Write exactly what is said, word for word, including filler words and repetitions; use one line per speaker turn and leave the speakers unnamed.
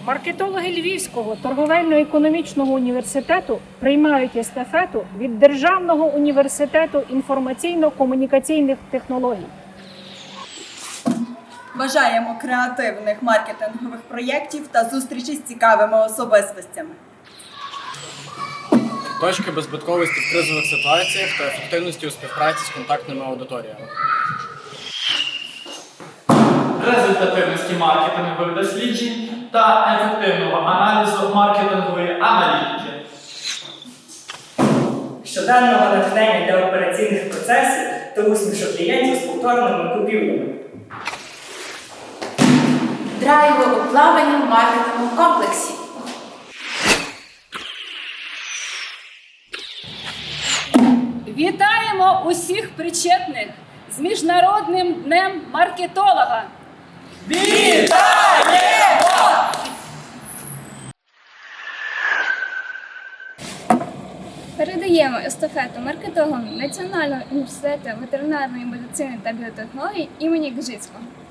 Маркетологи Львівського торговельно-економічного університету приймають естафету від Державного університету інформаційно-комунікаційних технологій.
Бажаємо креативних маркетингових проєктів та зустрічі з цікавими особистостями.
Точки беззбитковості в кризових ситуаціях та ефективності у співпраці з контактними аудиторіями.
Результативності маркетингових досліджень та ефективного аналізу маркетингової аналітики.
Щоденного натхнення для операційних процесів та усмішок клієнтів з повторними купівлями.
Драйву у плаванні в маркетинговому комплексі.
Вітаємо усіх причетних з Міжнародним днем маркетолога!
Вітаємо!
Передаємо естафету маркетологам Національного університету ветеринарної медицини та біотехнологій імені Гжицького.